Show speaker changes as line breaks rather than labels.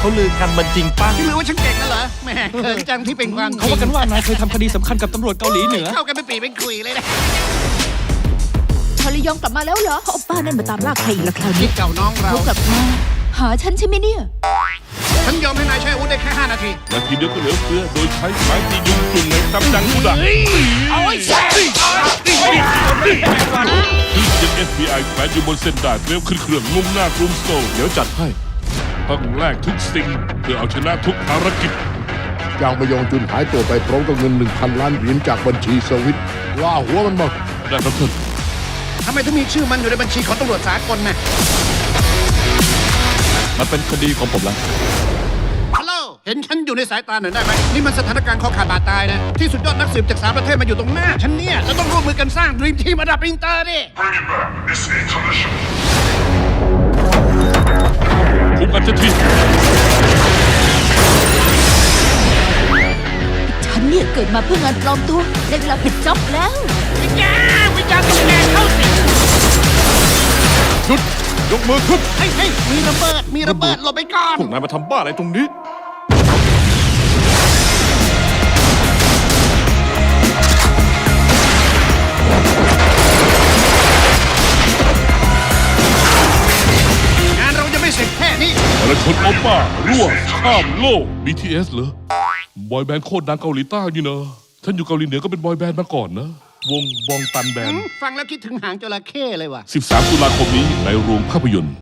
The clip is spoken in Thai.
ลือกันมันจริงป่ะ
ที่ลือว่าฉันเก่งนะเหรอแหม่เขินจังที่เป็นความจ
เขา
ริง
ว่ากันว่านายเคยทำคดีสำคัญกับตำรวจเกาหลีเหนือ
เข้ากันเป็นปีเป็นคุยเลยนะ
ชาลียองกลับมาแล้วเหรอโอป้านั่นมาตามล่าใครอีกละคราว
นี่
นี้
เก่าน้องเรา
เขากลับมาหาฉันใช่ไหมเนี่ย
ฉันยอมให้นายใช้อาวุธได้แค่5 นาที
นาทีเดียวก็เหลือเฟือโดยใช้ไม้ตียุงจุ่งในตำจังกุดะ
เอาไอ้แซ่
ที่ยัง FBI แฝงอยู่บนเส้นได้เร็วขึ้นเครื่องมุ่งหน้ากรุงโซล
เดี๋ยวจัดให้
ต้องแลกทุกสิ่งเพื่อเอาชนะทุกภารกิจ
จางมยองจุนหายตัวไปพร้อมกับเงิน 1,000 ล้านเหรียญจากบัญชีสวิตล่าหัวมันมา
ได้ครับท่าน
ทำไมถึงมีชื่อมันอยู่ในบัญชีของตำรวจสากลนะ
มันเป็นคดีของผมแล้ว
ฮัลโหลเห็นฉันอยู่ในสายตาหน่อยได้ไหมนี่มันสถานการณ์คอขาดบาดตายนะที่สุดยอดนักสืบจาก3 ประเทศมาอยู่ตรงหน้าฉันเนี่ยเราต้องร่วมมือกันสร้างดรีมทีมระดับอินเตอร์ดิ
Bring it back. It's intermission.
คุมกันจะที
ฉันเนี่ยเกิดมาเพื่องานปลอมตัวได้เวลาปิดจ็อบแล้ว
วิญญาณต้องแกเข้าสิง
หยุด ยกมือขึ้น
เฮ้ยมีระเบิดหลบไปก่อน
พวกนายมาทำบ้าอะไรตรงนี้
งานเราจะไม่เสร็จแค่นี้
พลชนโอป้ารั่วข้ามโลก BTS เหรอบอยแบนด์โคตรดังเกาหลีใต้นี่นะฉันอยู่เกาหลีเหนือก็เป็นบอยแบนด์มาก่อนนะ วงบองตันแบนด์
ฟังแล้วคิดถึงหางจระเข้เลยว่ะ
13 ตุลาคมนี้ในโรงภาพยนตร์